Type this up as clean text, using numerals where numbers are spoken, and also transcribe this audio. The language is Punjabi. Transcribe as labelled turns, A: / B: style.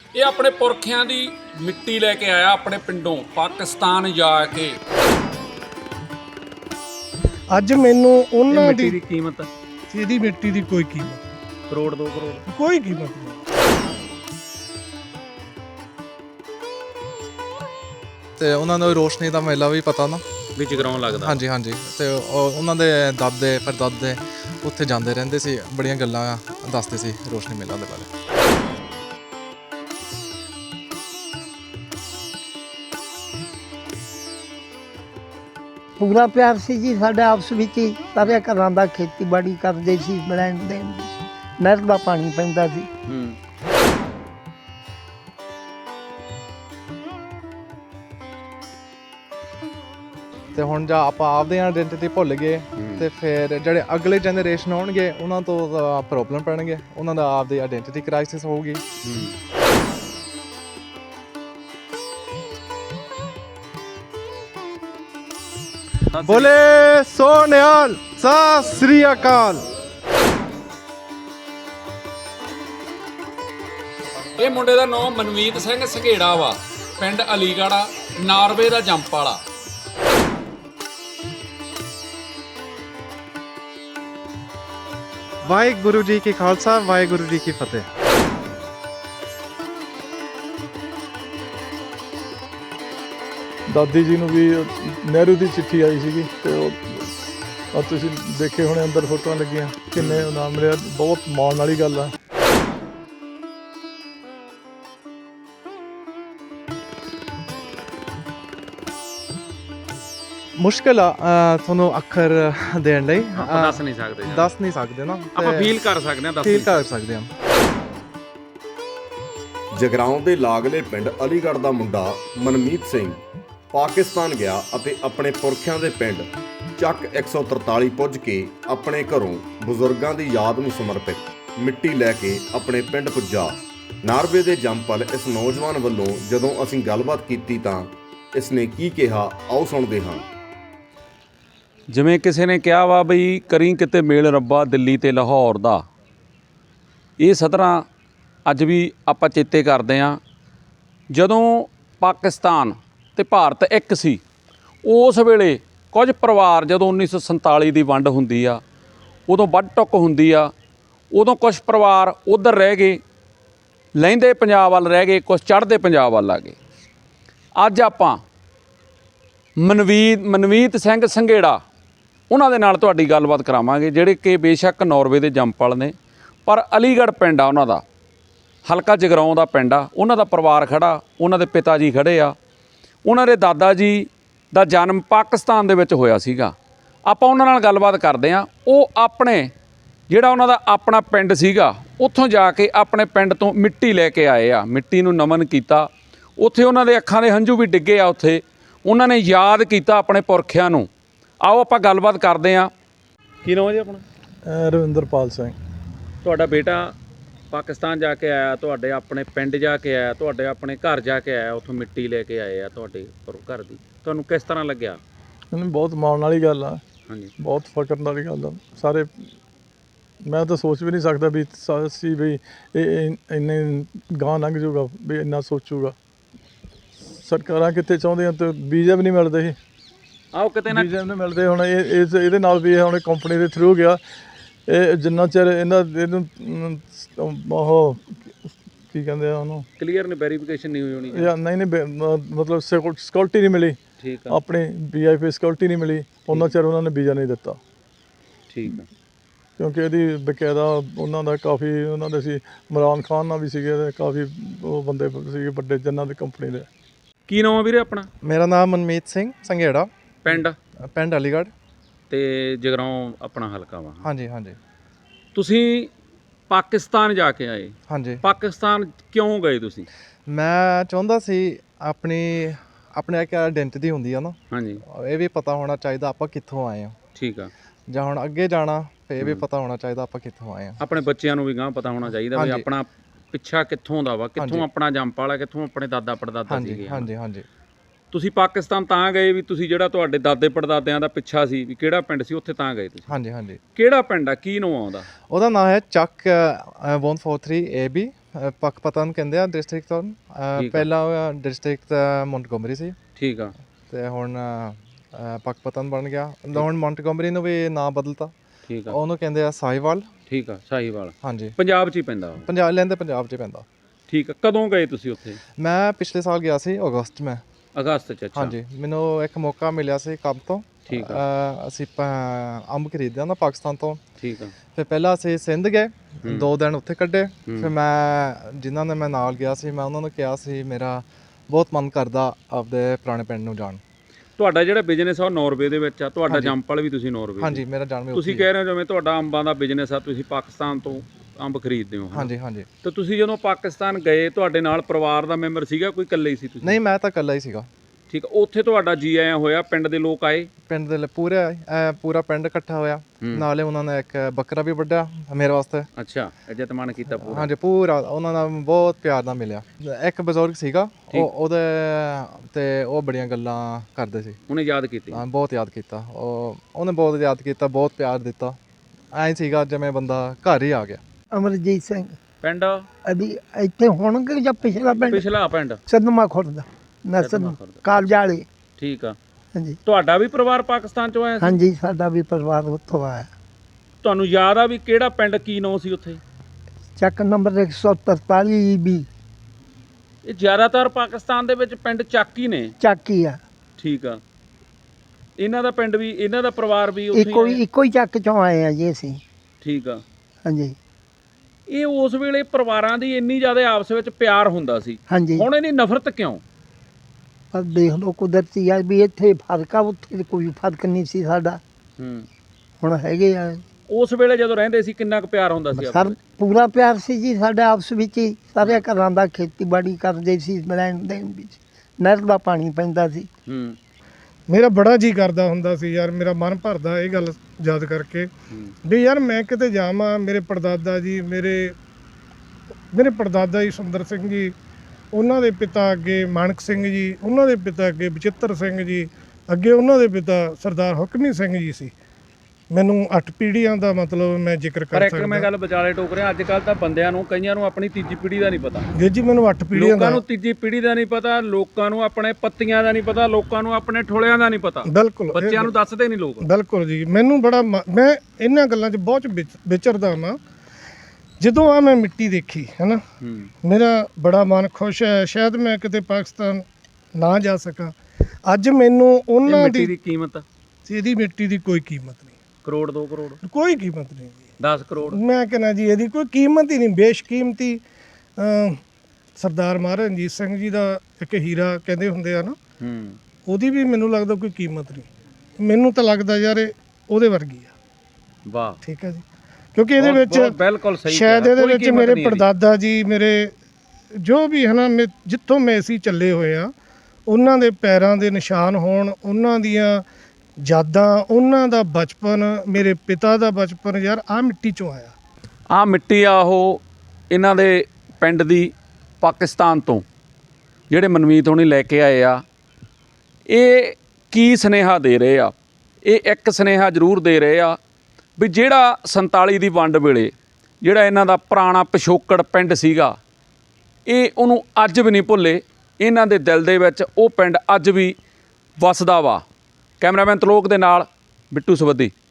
A: ਇਹ ਆਪਣੇ ਪੁਰਖਿਆਂ ਦੀ ਮਿੱਟੀ ਲੈ ਕੇ ਆਇਆ ਆਪਣੇ ਪਿੰਡੋਂ ਪਾਕਿਸਤਾਨ ਜਾ ਕੇ।
B: ਅੱਜ ਮੈਨੂੰ ਉਹਨਾਂ
A: ਮਿੱਟੀ
B: ਦੀ
A: ਦੀ ਕੀਮਤ
B: ਇਹਦੀ ਮਿੱਟੀ ਦੀ ਕੋਈ ਕੀਮਤ ਨਹੀਂ,
A: ਕਰੋੜ 2 ਕਰੋੜ
B: ਕੋਈ ਕੀਮਤ ਨਹੀਂ।
C: ਤੇ ਉਹਨਾਂ ਨੂੰ ਰੋਸ਼ਨੀ ਦਾ ਮੇਲਾ ਵੀ ਪਤਾ ਨਾ
A: ਵੀ ਜਗਰਾਉਂ ਲੱਗਦਾ।
C: ਹਾਂਜੀ ਹਾਂਜੀ। ਤੇ ਉਹਨਾਂ ਦੇ ਦਾਦੇ ਪੜਦਾਦੇ ਉੱਥੇ ਜਾਂਦੇ ਰਹਿੰਦੇ ਸੀ, ਬੜੀਆਂ ਗੱਲਾਂ ਦੱਸਦੇ ਸੀ ਰੋਸ਼ਨੀ ਮੇਲਾ ਦੇ ਬਾਰੇ।
D: ਪੂਰਾ ਪਿਆਰ ਸੀ ਜੀ ਸਾਡੇ ਆਪਸ ਵਿੱਚ ਹੀ। ਸਾਰੇ ਘਰਾਂ ਦਾ ਖੇਤੀਬਾੜੀ ਕਰਦੇ ਸੀ, ਲੈਣ ਦੇਣ ਦੀ ਨਹਿਰ ਦਾ ਪਾਣੀ ਪੈਂਦਾ ਸੀ।
C: ਤੇ ਹੁਣ ਜਾਂ ਆਪਾਂ ਆਪਦੇ ਆਇਡੈਂਟੀਟੀ ਭੁੱਲ ਗਏ ਤੇ ਫਿਰ ਜਿਹੜੇ ਅਗਲੇ ਜਨਰੇਸ਼ਨ ਆਉਣਗੇ ਉਹਨਾਂ ਤੋਂ ਪ੍ਰੋਬਲਮ ਪੈਣਗੇ, ਉਹਨਾਂ ਦਾ ਆਪਦੀ ਆਇਡੈਂਟੀਟੀ ਕ੍ਰਾਈਸਿਸ ਹੋਊਗੀ। ਬੋਲੇ ਸੋ ਨਿਹਾਲ, ਸਤਿ ਸ੍ਰੀ ਅਕਾਲ।
A: ਇਹ ਮੁੰਡੇ ਦਾ ਨਾਮ ਮਨਮੀਤ ਸਿੰਘ ਸੰਘੇੜਾ ਵਾ, ਪਿੰਡ ਅਲੀਗੜ੍ਹ ਆ, ਨਾਰਵੇ ਦਾ ਜੰਪ ਵਾਲਾ।
C: ਵਾਹਿਗੁਰੂ ਜੀ ਕੀ ਖਾਲਸਾ, ਵਾਹਿਗੁਰੂ ਜੀ ਕੀ ਫਤਿਹ।
E: ਦਾਦੀ ਜੀ ਨੂੰ ਵੀ ਨਹਿਰੂ ਦੀ ਚਿੱਠੀ ਆਈ ਸੀਗੀ ਤੇ ਉਹ ਤੁਸੀਂ ਦੇਖੇ ਹੋਣੇ ਅੰਦਰ ਫੋਟੋਆਂ ਲੱਗੀਆਂ, ਕਿੰਨੇ ਨਾਮ ਮਿਲਿਆ। ਬਹੁਤ ਮਾਣ ਵਾਲੀ ਗੱਲ ਆ।
C: ਮੁਸ਼ਕਿਲ ਆ ਤੁਹਾਨੂੰ ਅੱਖਰ ਦੇਣ ਲਈ,
A: ਆਪਾਂ ਦੱਸ ਨਹੀਂ ਸਕਦੇ ਯਾਰ।
C: ਦੱਸ ਨਹੀਂ ਸਕਦੇ ਨਾ,
A: ਆਪਾਂ ਫੀਲ ਕਰ ਸਕਦੇ ਹਾਂ, ਦੱਸ
C: ਫੀਲ
A: ਨਹੀਂ
C: ਕਰ ਸਕਦੇ ਹਾਂ।
F: ਜਗਰਾਉਂ ਦੇ ਲਾਗਲੇ ਪਿੰਡ ਅਲੀਗੜ੍ਹ ਦਾ ਮੁੰਡਾ ਮਨਮੀਤ ਸਿੰਘ ਪਾਕਿਸਤਾਨ ਗਿਆ ਅਤੇ ਆਪਣੇ ਪੁਰਖਿਆਂ ਦੇ ਪਿੰਡ ਚੱਕ 143 ਪੁੱਜ ਕੇ ਆਪਣੇ ਘਰੋਂ ਬਜ਼ੁਰਗਾਂ ਦੀ ਯਾਦ ਨੂੰ ਸਮਰਪਿਤ ਮਿੱਟੀ ਲੈ ਕੇ ਆਪਣੇ ਪਿੰਡ ਪੁੱਜਾ। ਨਾਰਵੇ ਦੇ ਜੰਪਲ ਇਸ ਨੌਜਵਾਨ ਵੱਲੋਂ ਜਦੋਂ ਅਸੀਂ ਗੱਲਬਾਤ ਕੀਤੀ ਤਾਂ ਇਸ ਨੇ ਕੀ ਕਿਹਾ, ਆਓ ਸੁਣਦੇ ਹਾਂ।
A: ਜਿਵੇਂ ਕਿਸੇ ਨੇ ਕਿਹਾ ਵਾ ਬਈ ਕਰੀ ਕਿਤੇ ਮੇਲ ਰੱਬਾ ਦਿੱਲੀ ਤੇ ਲਾਹੌਰ ਦਾ, ਇਹ ਸਤਰਾਂ ਅੱਜ ਵੀ ਆਪਾਂ ਚੇਤੇ ਕਰਦੇ ਹਾਂ। ਜਦੋਂ ਪਾਕਿਸਤਾਨ ਤੇ ਭਾਰਤ ਇੱਕ ਸੀ, ਉਸ ਵੇਲੇ ਕੁਝ ਪਰਿਵਾਰ ਜਦੋਂ 1947 ਦੀ ਵੰਡ ਹੁੰਦੀ ਆ, ਉਦੋਂ ਵੱਢ ਟੁੱਕ ਹੁੰਦੀ ਆ, ਉਦੋਂ ਕੁਝ ਪਰਿਵਾਰ ਉੱਧਰ ਰਹਿ ਗਏ, ਲਹਿੰਦੇ ਪੰਜਾਬ ਵੱਲ ਰਹਿ ਗਏ, ਕੁਝ ਚੜ੍ਹਦੇ ਪੰਜਾਬ ਵੱਲ ਆ ਗਏ। ਅੱਜ ਆਪਾਂ ਮਨਮੀਤ ਸਿੰਘ ਸੰਘੇੜਾ ਉਹਨਾਂ ਦੇ ਨਾਲ ਤੁਹਾਡੀ ਗੱਲਬਾਤ ਕਰਾਵਾਂਗੇ, ਜਿਹੜੇ ਕਿ ਬੇਸ਼ੱਕ ਨਾਰਵੇ ਦੇ ਜੰਪਲ ਨੇ, ਪਰ ਅਲੀਗੜ੍ਹ ਪਿੰਡ ਆ ਉਹਨਾਂ ਦਾ, ਹਲਕਾ ਜਗਰਾਉਂ ਦਾ ਪਿੰਡ ਆ। ਉਹਨਾਂ ਦਾ ਪਰਿਵਾਰ ਖੜਾ, ਉਹਨਾਂ ਦੇ ਪਿਤਾ ਜੀ ਖੜੇ ਆ। ਉਹਨਾਂ ਦੇ ਦਾਦਾ ਜੀ ਦਾ ਜਨਮ ਪਾਕਿਸਤਾਨ ਦੇ ਵਿੱਚ ਹੋਇਆ ਸੀਗਾ। ਆਪਾਂ ਉਹਨਾਂ ਨਾਲ ਗੱਲਬਾਤ ਕਰਦੇ ਹਾਂ। ਉਹ ਆਪਣੇ ਜਿਹੜਾ ਉਹਨਾਂ ਦਾ ਆਪਣਾ ਪਿੰਡ ਸੀਗਾ, ਉੱਥੋਂ ਜਾ ਕੇ ਆਪਣੇ ਪਿੰਡ ਤੋਂ ਮਿੱਟੀ ਲੈ ਕੇ ਆਏ ਆ, ਮਿੱਟੀ ਨੂੰ ਨਮਨ ਕੀਤਾ। ਉੱਥੇ ਉਹਨਾਂ ਦੇ ਅੱਖਾਂ ਦੇ ਹੰਝੂ ਵੀ ਡਿੱਗੇ ਆ। ਉੱਥੇ ਉਹਨਾਂ ਨੇ ਯਾਦ ਕੀਤਾ ਆਪਣੇ ਪੁਰਖਿਆਂ ਨੂੰ। ਆਓ ਆਪਾਂ ਗੱਲਬਾਤ ਕਰਦੇ ਹਾਂ। ਕੀ ਨਾਮ ਜੀ ਆਪਣਾ?
E: ਰਵਿੰਦਰਪਾਲ ਸਿੰਘ।
A: ਤੁਹਾਡਾ ਬੇਟਾ ਪਾਕਿਸਤਾਨ ਜਾ ਕੇ ਆਇਆ, ਤੁਹਾਡੇ ਆਪਣੇ ਪਿੰਡ ਜਾ ਕੇ ਆਇਆ, ਤੁਹਾਡੇ ਆਪਣੇ ਘਰ ਜਾ ਕੇ ਆਇਆ, ਉੱਥੋਂ ਮਿੱਟੀ ਲੈ ਕੇ ਆਏ ਆ ਤੁਹਾਡੇ ਘਰ ਦੀ। ਤੁਹਾਨੂੰ ਕਿਸ ਤਰ੍ਹਾਂ ਲੱਗਿਆ?
E: ਮੈਨੂੰ ਬਹੁਤ ਮਾਣ ਵਾਲੀ ਗੱਲ ਆ,
A: ਹਾਂਜੀ,
E: ਬਹੁਤ ਫਖਰ ਵਾਲੀ ਗੱਲ ਆ। ਸਾਰੇ ਮੈਂ ਤਾਂ ਸੋਚ ਵੀ ਨਹੀਂ ਸਕਦਾ ਵੀ ਸੀ ਵੀ ਇਹ ਇੰਨੇ ਗਾਂਹ ਲੰਘ ਜਾਊਗਾ, ਵੀ ਇੰਨਾ ਸੋਚੂਗਾ। ਸਰਕਾਰਾਂ ਕਿੱਥੇ ਚਾਹੁੰਦੀਆਂ ਤੇ ਵੀਜ਼ਾ ਵੀ ਨਹੀਂ ਮਿਲਦੇ ਸੀ।
A: ਆਓ ਕਿਤੇ ਨਾ
E: ਵੀਜ਼ਾ ਨਹੀਂ ਮਿਲਦੇ। ਹੁਣ ਇਹਦੇ ਨਾਲ ਵੀ ਹੁਣ ਕੰਪਨੀ ਦੇ ਥਰੂ ਗਿਆ। ਇਹ ਜਿੰਨਾ ਚਿਰ ਇਹਨੂੰ ਉਹ ਕੀ ਕਹਿੰਦੇ ਆ ਉਹਨੂੰ,
A: ਕਲੀਅਰ ਨਹੀਂ, ਵੈਰੀਫਿਕੇਸ਼ਨ ਨਹੀਂ ਹੋਈ ਹੋਣੀ
E: ਜਾਂ ਨਹੀਂ ਮਤਲਬ ਸਿਕਿਉਰਿਟੀ ਨਹੀਂ ਮਿਲੀ,
A: ਠੀਕ ਆ,
E: ਆਪਣੀ VIP ਸਿਕਿਉਰਿਟੀ ਨਹੀਂ ਮਿਲੀ, ਉਹਨਾਂ ਚਿਰ ਉਹਨਾਂ ਨੇ ਵੀਜ਼ਾ ਨਹੀਂ ਦਿੱਤਾ।
A: ਠੀਕ ਆ।
E: ਕਿਉਂਕਿ ਇਹਦੀ ਬਕਾਇਦਾ ਉਹਨਾਂ ਦਾ ਕਾਫੀ ਉਹਨਾਂ ਦੇ ਸੀ, ਇਮਰਾਨ ਖਾਨ ਨਾਲ ਵੀ ਸੀਗੇ, ਕਾਫੀ ਉਹ ਬੰਦੇ ਸੀਗੇ ਵੱਡੇ ਜਿਨ੍ਹਾਂ ਦੀ ਕੰਪਨੀ ਦੇ।
A: ਕੀ ਨਾਮ ਆ ਵੀਰੇ ਆਪਣਾ?
C: ਮੇਰਾ ਨਾਮ ਮਨਮੀਤ ਸਿੰਘ ਸੰਘੇੜਾ, ਪਿੰਡ ਅਲੀਗੜ੍ਹ
A: ਤੇ ਜਗਰਾਉਂ ਆਪਣਾ ਹਲਕਾ ਵਾ।
C: ਹਾਂਜੀ ਹਾਂਜੀ।
A: ਤੁਸੀਂ ਪਾਕਿਸਤਾਨ ਜਾ ਕੇ ਆਏ?
C: ਹਾਂਜੀ।
A: ਪਾਕਿਸਤਾਨ ਕਿਉਂ ਗਏ ਤੁਸੀਂ?
C: ਮੈਂ ਚਾਹੁੰਦਾ ਸੀ ਆਪਣੇ ਇੱਕ ਆਇਡੈਂਟੀਟੀ ਹੁੰਦੀ ਆ ਨਾ,
A: ਹਾਂਜੀ,
C: ਇਹ ਵੀ ਪਤਾ ਹੋਣਾ ਚਾਹੀਦਾ ਆਪਾਂ ਕਿੱਥੋਂ ਆਏ ਹਾਂ।
A: ਠੀਕ ਆ।
C: ਜਾਂ ਹੁਣ ਅੱਗੇ ਜਾਣਾ ਫਿਰ ਇਹ ਵੀ ਪਤਾ ਹੋਣਾ ਚਾਹੀਦਾ ਆਪਾਂ ਕਿੱਥੋਂ ਆਏ ਹਾਂ।
A: ਆਪਣੇ ਬੱਚਿਆਂ ਨੂੰ ਵੀ ਗਾਂਹ ਪਤਾ ਹੋਣਾ ਚਾਹੀਦਾ ਵੀ ਆਪਣਾ ਪਿੱਛਾ ਕਿੱਥੋਂ ਦਾ ਵਾ, ਕਿੱਥੋਂ ਆਪਣਾ ਜੰਪ ਵਾਲਾ, ਕਿੱਥੋਂ ਆਪਣੇ ਦਾਦਾ ਪੜਦਾਦਾ ਸੀਗੇ।
C: ਹਾਂਜੀ ਹਾਂਜੀ।
A: ਤੁਸੀਂ ਪਾਕਿਸਤਾਨ ਤਾਂ ਗਏ ਵੀ ਤੁਸੀਂ ਜਿਹੜਾ ਤੁਹਾਡੇ ਦਾਦੇ ਪੜਦਾਦਿਆਂ ਦਾ ਪਿੱਛਾ ਸੀ ਵੀ ਕਿਹੜਾ ਪਿੰਡ ਸੀ, ਉੱਥੇ ਤਾਂ ਗਏ ਤੁਸੀਂ?
C: ਹਾਂਜੀ ਹਾਂਜੀ।
A: ਕਿਹੜਾ ਪਿੰਡ ਆ, ਕੀ ਨਾਮ ਆਉਂਦਾ?
C: ਉਹਦਾ ਨਾਮ ਹੈ ਚੱਕ 143 AB ਪੱਕਪਤਨ ਕਹਿੰਦੇ ਆ ਡਿਸਟ੍ਰਿਕਟ ਤੋਂ। ਪਹਿਲਾਂ ਡਿਸਟ੍ਰਿਕਟ ਮੌਂਟਗੋਮਰੀ ਸੀ
A: ਠੀਕ ਆ
C: ਤੇ ਹੁਣ ਪੱਕਪਤਨ ਬਣ ਗਿਆ। ਹੁਣ ਮੌਂਟਗੋਮਰੀ ਨੂੰ ਵੀ ਨਾਂ ਬਦਲਤਾ,
A: ਠੀਕ ਆ
C: ਉਹਨੂੰ ਕਹਿੰਦੇ ਆ ਸਾਹੀਵਾਲ।
A: ਠੀਕ ਆ ਸਾਹੀਵਾਲ
C: ਹਾਂਜੀ,
A: ਪੰਜਾਬ 'ਚ ਹੀ ਪੈਂਦਾ ਉਹ।
C: ਪੰਜਾਬ ਲੈਂਦੇ, ਪੰਜਾਬ 'ਚ ਪੈਂਦਾ।
A: ਠੀਕ ਆ ਕਦੋਂ ਗਏ ਤੁਸੀਂ ਉੱਥੇ?
C: ਮੈਂ ਪਿਛਲੇ ਸਾਲ ਗਿਆ ਸੀ ਅਗਸਤ ਮੈਂ।
A: ਅਗਸਤ 'ਚ? ਅੱਛਾ
C: ਹਾਂਜੀ, ਮੈਨੂੰ ਇੱਕ ਮੌਕਾ ਮਿਲਿਆ ਸੀ ਕੰਮ ਤੋਂ।
A: ਠੀਕ
C: ਅਸੀਂ ਅੰਬ ਖਰੀਦਦੇ ਹਾਂ ਨਾ ਪਾਕਿਸਤਾਨ ਤੋਂ।
A: ਠੀਕ ਆ
C: ਫਿਰ ਪਹਿਲਾਂ ਅਸੀਂ ਸਿੰਧ ਗਏ, 2 ਦਿਨ ਉੱਥੇ ਕੱਢੇ। ਫਿਰ ਮੈਂ ਜਿਨ੍ਹਾਂ ਨੇ ਮੈਂ ਨਾਲ ਗਿਆ ਸੀ, ਮੈਂ ਉਹਨਾਂ ਨੂੰ ਕਿਹਾ ਸੀ ਮੇਰਾ ਬਹੁਤ ਮਨ ਕਰਦਾ ਆਪਦੇ ਪੁਰਾਣੇ ਪਿੰਡ ਨੂੰ ਜਾਣ।
A: ਤੁਹਾਡਾ ਜਿਹੜਾ ਬਿਜ਼ਨਸ ਆ ਉਹ ਨਾਰਵੇ ਦੇ ਵਿੱਚ ਆ, ਤੁਹਾਡਾ ਜੰਪਲ ਵੀ ਤੁਸੀਂ ਨਾਰਵੇ?
C: ਹਾਂਜੀ, ਮੇਰਾ ਜਾਣ ਵੀ
A: ਤੁਸੀਂ ਕਹਿ ਰਹੇ ਹੋ ਜਿਵੇਂ ਤੁਹਾਡਾ ਅੰਬਾਂ ਦਾ ਬਿਜ਼ਨਸ ਆ, ਤੁਸੀਂ ਪਾਕਿਸਤਾਨ ਤੋਂ ਅੰਬ ਖਰੀਦਦੇ ਹੋ?
C: ਹਾਂਜੀ ਹਾਂਜੀ।
A: ਤੇ ਤੁਸੀਂ ਜਦੋਂ ਪਾਕਿਸਤਾਨ ਗਏ ਤੁਹਾਡੇ ਨਾਲ ਪਰਿਵਾਰ ਦਾ ਮੈਂਬਰ ਸੀਗਾ ਕੋਈ, ਇਕੱਲੇ ਹੀ ਸੀ ਤੁਸੀਂ?
C: ਨਹੀਂ, ਮੈਂ ਤਾਂ ਇਕੱਲਾ ਹੀ ਸੀਗਾ।
A: ਠੀਕ ਆ, ਉੱਥੇ ਤੁਹਾਡਾ ਜੀ ਆਇਆ ਹੋਇਆ, ਪਿੰਡ ਦੇ ਲੋਕ ਆਏ?
C: ਪਿੰਡ ਦੇ ਪੂਰਾ ਪਿੰਡ ਇਕੱਠਾ ਹੋਇਆ, ਨਾਲੇ ਉਹਨਾਂ ਨੇ ਇੱਕ ਬੱਕਰਾ ਵੀ ਵੱਢਿਆ ਮੇਰੇ ਵਾਸਤੇ।
A: ਅੱਛਾ, ਇੱਜ਼ਤ ਮਾਣ ਕੀਤਾ ਪੂਰਾ?
C: ਹਾਂਜੀ, ਪੂਰਾ ਉਹਨਾਂ ਦਾ ਬਹੁਤ ਪਿਆਰ ਨਾਲ ਮਿਲਿਆ। ਇੱਕ ਬਜ਼ੁਰਗ ਸੀਗਾ, ਉਹਦੇ ਤੇ ਉਹ ਬੜੀਆਂ ਗੱਲਾਂ ਕਰਦੇ ਸੀ।
A: ਉਹਨੇ ਯਾਦ ਕੀਤੀ?
C: ਹਾਂ, ਬਹੁਤ ਯਾਦ ਕੀਤਾ। ਉਹਨੇ ਬਹੁਤ ਯਾਦ ਕੀਤਾ, ਬਹੁਤ ਪਿਆਰ ਦਿੱਤਾ। ਐਂ ਸੀਗਾ ਜਿਵੇਂ ਬੰਦਾ ਘਰ ਹੀ ਆ ਗਿਆ।
D: ਅਮਰਜੀਤ ਸਿੰਘ
A: ਪਿੰਡ
D: ਅਭੀ ਇੱਥੇ ਹੋਣਗੇ ਜਾਂ ਪਿਛਲਾ ਪਿੰਡ?
A: ਪਿਛਲਾ ਪਿੰਡ
D: ਸਦਮਾ ਖੁਰਦ ਨਸਲ ਕਾਲਜ ਵਾਲੇ।
A: ਠੀਕ ਆ,
D: ਹਾਂਜੀ
A: ਤੁਹਾਡਾ ਵੀ ਪਰਿਵਾਰ ਪਾਕਿਸਤਾਨ ਚੋਂ ਆਇਆ ਸੀ?
D: ਹਾਂਜੀ, ਸਾਡਾ ਵੀ ਪਰਿਵਾਰ ਉੱਥੋਂ ਆਇਆ।
A: ਤੁਹਾਨੂੰ ਯਾਦ ਆ ਵੀ ਕਿਹੜਾ ਪਿੰਡ, ਕੀ ਨਾਂ ਸੀ ਉੱਥੇ?
D: ਚੱਕ ਨੰਬਰ 143 ਵੀ
A: ਇਹ ਜ਼ਿਆਦਾਤਰ ਪਾਕਿਸਤਾਨ ਦੇ ਵਿੱਚ ਪਿੰਡ ਚੱਕ ਹੀ ਨੇ।
D: ਚੱਕ ਹੀ ਆ।
A: ਠੀਕ ਆ, ਇਹਨਾਂ ਦਾ ਪਿੰਡ ਵੀ, ਇਹਨਾਂ ਦਾ ਪਰਿਵਾਰ ਵੀ ਉੱਥੇ ਹੀ
D: ਇੱਕੋ ਹੀ ਚੱਕ ਚੋਂ ਆਏ ਆ ਜੀ ਅਸੀਂ।
A: ਠੀਕ ਆ,
D: ਹਾਂਜੀ
A: ਇਹ ਉਸ ਵੇਲੇ ਪਰਿਵਾਰਾਂ ਦੀ ਇੰਨੀ ਜ਼ਿਆਦਾ ਆਪਸ ਵਿੱਚ ਪਿਆਰ ਹੁੰਦਾ ਸੀ,
D: ਹਾਂਜੀ।
A: ਹੁਣ ਇਹਨੀ ਨਫ਼ਰਤ ਕਿਉਂ?
D: ਪਰ ਦੇਖ ਲਓ ਕੁਦਰਤੀ ਆ ਵੀ ਇੱਥੇ ਫਰਕ ਆ, ਉੱਥੇ ਕੋਈ ਫਰਕ ਨਹੀਂ ਸੀ ਸਾਡਾ। ਹੁਣ ਹੈਗੇ ਆ।
A: ਉਸ ਵੇਲੇ ਜਦੋਂ ਰਹਿੰਦੇ ਸੀ ਕਿੰਨਾ ਕੁ ਪਿਆਰ ਹੁੰਦਾ ਸੀ?
D: ਸਰ ਪੂਰਾ ਪਿਆਰ ਸੀ ਜੀ ਸਾਡਾ ਆਪਸ ਵਿੱਚ ਹੀ। ਸਾਰੇ ਘਰਾਂ ਦਾ ਖੇਤੀਬਾੜੀ ਕਰਦੇ ਸੀ, ਲੈਣ ਦੇਣ ਵਿੱਚ ਨਹਿਰ ਦਾ ਪਾਣੀ ਪੈਂਦਾ ਸੀ।
B: ਮੇਰਾ ਬੜਾ ਜੀ ਕਰਦਾ ਹੁੰਦਾ ਸੀ ਯਾਰ, ਮੇਰਾ ਮਨ ਭਰਦਾ ਇਹ ਗੱਲ ਯਾਦ ਕਰਕੇ ਵੀ ਯਾਰ ਮੈਂ ਕਿਤੇ ਜਾਵਾਂ। ਮੇਰੇ ਪੜਦਾਦਾ ਜੀ ਸੁੰਦਰ ਸਿੰਘ ਜੀ, ਉਹਨਾਂ ਦੇ ਪਿਤਾ ਅੱਗੇ ਮਾਨਕ ਸਿੰਘ ਜੀ, ਉਹਨਾਂ ਦੇ ਪਿਤਾ ਅੱਗੇ ਬਚਿੱਤਰ ਸਿੰਘ ਜੀ, ਅੱਗੇ ਉਹਨਾਂ ਦੇ ਪਿਤਾ ਸਰਦਾਰ ਹੁਕਮੀ ਸਿੰਘ ਜੀ ਸੀ। ਮੈਨੂੰ 8 ਪੀੜ੍ਹੀਆਂ ਦਾ ਮਤਲਬ ਮੈਂ ਜ਼ਿਕਰ
A: ਪਰ
B: ਕਰ
A: ਇੱਕ ਮੈਂ ਗੱਲ ਵਿਚਾਲੇ ਟੋਕ ਰਿਹਾ, ਅੱਜ ਕੱਲ੍ਹ ਤਾਂ ਬੰਦਿਆਂ ਨੂੰ, ਕਈਆਂ ਨੂੰ ਆਪਣੀ ਤੀਜੀ ਪੀੜ੍ਹੀ ਦਾ ਨਹੀਂ ਪਤਾ
B: ਜੀ। ਮੈਨੂੰ 8 ਪੀੜ੍ਹੀਆਂ
A: ਲੋਕਾਂ ਨੂੰ ਤੀਜੀ ਪੀੜ੍ਹੀ ਦਾ ਨਹੀਂ ਪਤਾ, ਲੋਕਾਂ ਨੂੰ ਆਪਣੇ ਪੱਤੀਆਂ ਦਾ ਨਹੀਂ ਪਤਾ, ਲੋਕਾਂ ਨੂੰ ਆਪਣੇ ਠੋਲਿਆਂ ਦਾ ਨਹੀਂ ਪਤਾ।
B: ਬਿਲਕੁਲ,
A: ਬੱਚਿਆਂ ਨੂੰ ਦੱਸਦੇ ਨਹੀਂ ਲੋਕ।
B: ਬਿਲਕੁਲ ਜੀ। ਮੈਨੂੰ ਬੜਾ ਮੈਂ ਇਹਨਾਂ ਗੱਲਾਂ 'ਚ ਬਹੁਤ ਵਿਚਰਦਾ ਹਾਂ। ਜਦੋਂ ਆ ਮੈਂ ਮਿੱਟੀ ਦੇਖੀ ਹੈ ਨਾ, ਮੇਰਾ ਬੜਾ ਮਨ ਖੁਸ਼ ਹੈ। ਸ਼ਾਇਦ ਮੈਂ ਕਿਤੇ ਪਾਕਿਸਤਾਨ ਨਾ ਜਾ ਸਕਾਂ। ਅੱਜ ਮੈਨੂੰ ਉਹਨਾਂ
A: ਮਿੱਟੀ ਦੀ ਕੀਮਤ,
B: ਇਹਦੀ ਮਿੱਟੀ ਦੀ ਕੋਈ ਕੀਮਤ ਨਹੀਂ।
A: ਕਰੋੜ 2 ਕਰੋੜ
B: ਕੋਈ ਕੀਮਤ ਨਹੀਂ ਜੀ।
A: 10 ਕਰੋੜ
B: ਮੈਂ ਕਹਿੰਦਾ ਜੀ ਇਹਦੀ ਕੋਈ ਕੀਮਤ ਹੀ ਨਹੀਂ। ਬੇਸ਼ਕੀਮਤੀ ਸਰਦਾਰ ਮਹਾਰਾਜਾ ਰਣਜੀਤ ਸਿੰਘ ਜੀ ਦਾ ਇੱਕ ਹੀਰਾ ਕਹਿੰਦੇ ਹੁੰਦੇ ਆ ਨਾ, ਉਹਦੀ ਵੀ ਮੈਨੂੰ ਲੱਗਦਾ ਕੋਈ ਕੀਮਤ ਨਹੀਂ। ਮੈਨੂੰ ਤਾਂ ਲੱਗਦਾ ਯਾਰ ਇਹ ਉਹਦੇ ਵਰਗੀ ਆ।
A: ਵਾਹ,
B: ਠੀਕ ਹੈ ਜੀ। ਕਿਉਂਕਿ ਇਹਦੇ ਵਿੱਚ
A: ਬਿਲਕੁਲ ਸਹੀ,
B: ਸ਼ਾਇਦ ਇਹਦੇ ਵਿੱਚ ਮੇਰੇ ਪੜਦਾਦਾ ਜੀ, ਮੇਰੇ ਜੋ ਵੀ ਹੈ ਨਾ, ਜਿੱਥੋਂ ਮੈਂ ਅਸੀਂ ਚੱਲੇ ਹੋਏ ਆ, ਉਹਨਾਂ ਦੇ ਪੈਰਾਂ ਦੇ ਨਿਸ਼ਾਨ ਹੋਣ, ਉਹਨਾਂ ਦੀਆਂ ਯਾਦਾਂ, ਉਹਨਾਂ ਦਾ ਬਚਪਨ, ਮੇਰੇ ਪਿਤਾ ਦਾ ਬਚਪਨ ਯਾਰ ਆਹ ਮਿੱਟੀ 'ਚੋਂ ਆਇਆ।
A: ਆਹ ਮਿੱਟੀ ਆ ਉਹ ਇਹਨਾਂ ਦੇ ਪਿੰਡ ਦੀ, ਪਾਕਿਸਤਾਨ ਤੋਂ ਜਿਹੜੇ ਮਨਮੀਤ ਹੋਣੀ ਲੈ ਕੇ ਆਏ ਆ। ਇਹ ਕੀ ਸੁਨੇਹਾ ਦੇ ਰਹੇ ਆ? ਇਹ ਇੱਕ ਸੁਨੇਹਾ ਜ਼ਰੂਰ ਦੇ ਰਹੇ ਆ ਵੀ ਜਿਹੜਾ 47 ਦੀ ਵੰਡ ਵੇਲੇ ਜਿਹੜਾ ਇਹਨਾਂ ਦਾ ਪੁਰਾਣਾ ਪਿਛੋਕੜ ਪਿੰਡ ਸੀਗਾ, ਇਹ ਉਹਨੂੰ ਅੱਜ ਵੀ ਨਹੀਂ ਭੁੱਲੇ। ਇਹਨਾਂ ਦੇ ਦਿਲ ਦੇ ਵਿੱਚ ਉਹ ਪਿੰਡ ਅੱਜ ਵੀ ਵਸਦਾ ਵਾ। ਕੈਮਰਾਮੈਨ ਤਲੋਕ ਦੇ ਨਾਲ ਬਿੱਟੂ ਸਵੱਦੀ।